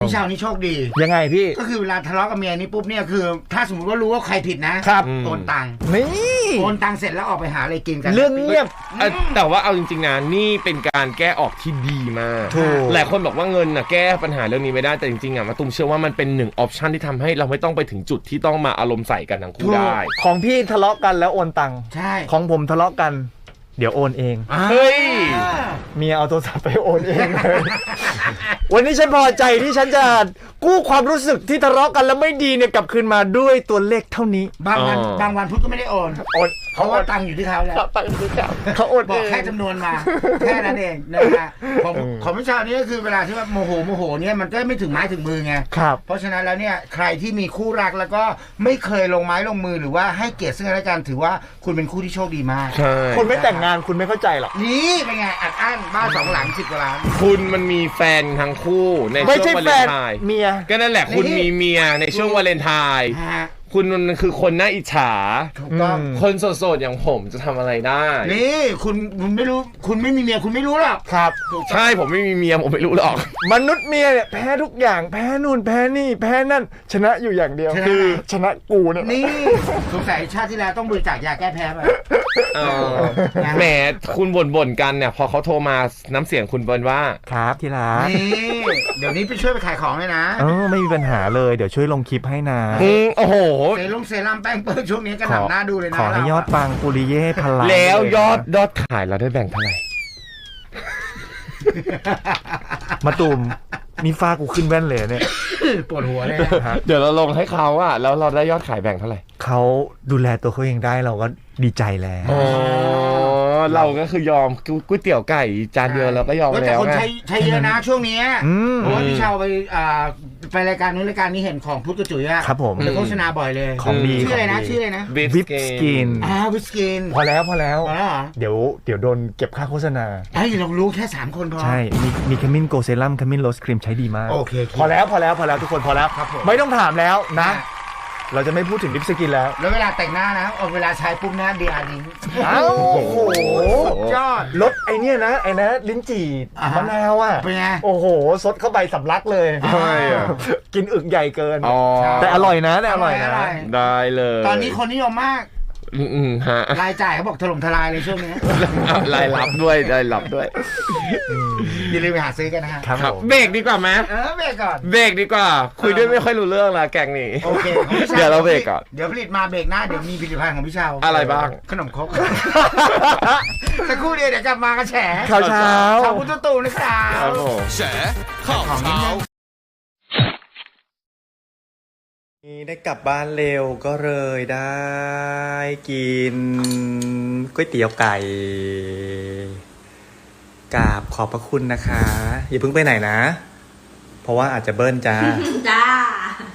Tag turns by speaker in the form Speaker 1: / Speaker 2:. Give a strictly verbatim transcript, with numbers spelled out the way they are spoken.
Speaker 1: พี่ชาวนี่โชคดี
Speaker 2: ยังไงพี่
Speaker 1: ก็คือเวลาทะเลาะกับเมียนี่ปุ๊บเนี่ยคือถ้าสมมติว่ารู้ว่าใครผิดนะครับโอนตังค์
Speaker 2: นี่
Speaker 1: โอนตังค์เสร็จแล้วออกไปหาอะไรกินกัน
Speaker 2: เรื่องเงียบ
Speaker 3: แต่ว่าเอาจริงๆนะนี่เป็นการแก้ออกที่ดีมากหลายคนบอกว่าเงินน่ะแก้ปัญหาเรื่องนี้ไม่ได้แต่จริงๆอ่ะมาตุ้มเชื่อว่ามันเป็นหนึ่งออปชันที่ทำให้เราไม่ต้องไปถึงจุดที่ต้องมาอารมณ์ใส่กันทั้งคู่ได้
Speaker 2: ของพี่ทะเลาะกันแล้วโอนตังค์
Speaker 1: ใช่
Speaker 2: ของผมทะเลาะกันเดี๋ยวโอนเอง
Speaker 3: เฮ้ย
Speaker 2: เมียเอาโทรศัพท์ไปโอนเองเลยวันนี้ฉันพอใจที่ฉันจะกู้ความรู้สึกที่ทะเลาะกันแล้วไม่ดีเนี่ยกลับคืนมาด้วยตัวเลขเท่านี้
Speaker 1: บางวันบางวันพุทธก็ไม่ได้โอน
Speaker 2: โอน
Speaker 1: เพราะว่าตังค์อยู่ที่เขาแล้ว
Speaker 2: ตังค์อยู่ที่เขาเขาโอน
Speaker 1: บอกแค่จำนวนมาแค่นั้นเองนะฮะของของพี่ชาวนี่ก็คือเวลาที่ว่าโมโหโมโหเนี่ยมันก็ไม่ถึงไม้ถึงมือไง
Speaker 2: ครับ
Speaker 1: เพราะฉะนั้นแล้วเนี่ยใครที่มีคู่รักแล้วก็ไม่เคยลงไม้ลงมือหรือว่าให้เกียรติซึ่งกันและกันถือว่าคุณเป็นคู่ที่โชคดีมาก
Speaker 3: ใช่
Speaker 2: คนไม่แต่งงานคุณไม่เข้าใจหรอก
Speaker 1: นี่เป็นไงอัดอั้นบ้านสองหลังสิบกว่าล้าน
Speaker 3: คุณมันมีแฟนทั้งคู่ในช่วงวาเลนไทน์
Speaker 2: เมีย
Speaker 3: ก็นั่นแหละคุณมีเมียในช่วงวาเลนไทน์คุณมันคือคนน่าอิจฉา
Speaker 1: ถูกต้อง
Speaker 3: คนโสดๆอย่างผมจะทำอะไรได้
Speaker 1: นี่คุณคุณไม่รู้คุณไม่มีเมียคุณไม่รู้หรอก
Speaker 2: ครับ
Speaker 3: ใช่ผมไม่มีเมียผมไม่รู้หรอก
Speaker 2: มนุษย์เมียเนี่ยแพ้ทุกอย่างแพ้นู่นแพ้นี่แพ้นั่นชนะอยู่อย่างเดียวคือชนะกูเนี่ย
Speaker 1: นี่สงสัยชาติที่แล้วต้องบริจาคยาแก้แพ้ไป
Speaker 3: แหมคุณบ่นๆกันเนี่ยพอเขาโทรมาน้ำเสียงคุณเป็นว่า
Speaker 2: ครับที่รัก
Speaker 1: นี่เดี๋ยวนี้ไปช่วยไปขายของเลยนะ
Speaker 2: เออไม่มีปัญหาเลยเดี๋ยวช่วยลงคลิปให้นะ
Speaker 3: โอ้โห
Speaker 1: เซรุ่มเซรั่มแป้งเปิ้ลช่วงนี้ก็หนักหน้าดูเลยนะ
Speaker 2: ขอให้ยอดปังปุริเย่พลัง
Speaker 3: แล้วยอดยอดขายเราได้แบ่งเท่าไหร่
Speaker 2: มาตูมมีฟ้ากูขึ้นแว่นเลยเนี่ย
Speaker 1: ปวดหัวเลย
Speaker 3: เดี๋ยวเราลงให้เขาอะแล้วเราได้ยอดขายแบ่งเท่าไหร่
Speaker 2: เขาดูแลตัวเขาเองได้เราก็ดีใจแล้ว
Speaker 3: อ๋อเราก็คือยอมก๋วยเตี๋ยวไก่จานเดียวเราก็ยอมแล้ว
Speaker 1: แต่คนใช้ใช้เยอะนะช่วงนี้เพราะว่าพี่ชาวไปไปรายการนู้นรายการนี้เห็นของพุทธกระจุยอะ
Speaker 2: ครับผม
Speaker 1: โฆษณาบ่อยเลย
Speaker 2: ของดี
Speaker 1: ชื่ออะไรนะชื่ออะไรนะ
Speaker 2: วิปสกิน
Speaker 1: อ่าวิปสกิน
Speaker 2: พอแล้วพอแล้ว
Speaker 1: พอแล้วเหรอ
Speaker 2: เดี๋ยวเดี๋ยวโดนเก็บค่าโฆษณา
Speaker 1: ไอ้เรารู้แค่สามคนพอ
Speaker 2: ใช่มีมีขมิ้นโกเซรั่มขมิ้นโรสครีมใช้ดีมาก
Speaker 1: โอเค
Speaker 2: พอแล้วพอแล้วพอแล้วทุกคนพอแล้วไม่ต้องถามแล้วนะเราจะไม่พูดถึงลิปสกินแล้ว
Speaker 1: แล้วเวลาแต่งหน้านะเอาเวลาใช้ปุ๊บนะเดียร์นิ้ง
Speaker 2: อ้าวโอ้โห
Speaker 1: ยอด
Speaker 2: รสไอเนี้ยนะไอนะลิ้นจี่มะนาวอ่ะ
Speaker 1: เป็นไง
Speaker 2: โอ้โหซดเข้าไปสำลักเลย
Speaker 3: ใช่
Speaker 2: กินอึกใหญ่เกินแต่อร่อยนะแต่อร่อยนะ
Speaker 3: ได้เลย
Speaker 1: ตอนนี้คนนิยมมาก
Speaker 3: อืมฮะ
Speaker 1: รายจ่ายเขาบอกถล่มทลายเลยช่วงนี้
Speaker 3: รายรับด้วยรายรับด้วย
Speaker 1: อย่าลืมไปหาซื้อกันนะฮะ
Speaker 3: ครับเบรกดีกว่าไหม
Speaker 1: เออเบรกก่อน
Speaker 3: เบรกดีกว่าคุยด้วยไม่ค่อยรู้เรื่องละแกงนี้
Speaker 1: โอเค
Speaker 3: เดี๋ยวเราเบรกก่อน
Speaker 1: เดี๋ยวผลิตมาเบรกหน้าเดี๋ยวมีผลิตภัณฑ์ของพี่ชาว
Speaker 3: อะไรบ้าง
Speaker 1: ขนมครกสักครู่เดียวเดี๋ยวกลับมากันแฉ
Speaker 2: ข่าวเช้า
Speaker 1: ข่าวพุทธตูนะครับ
Speaker 3: แฉข่าวเช้า
Speaker 2: ได้กลับบ้านเร็วก็เลยได้กินก๋วยเตี๋ยวไก่กราบขอบพระคุณนะคะอย่าเพิ่งไปไหนนะเพราะว่าอาจจะเบิ้ลจ้า
Speaker 4: จ้า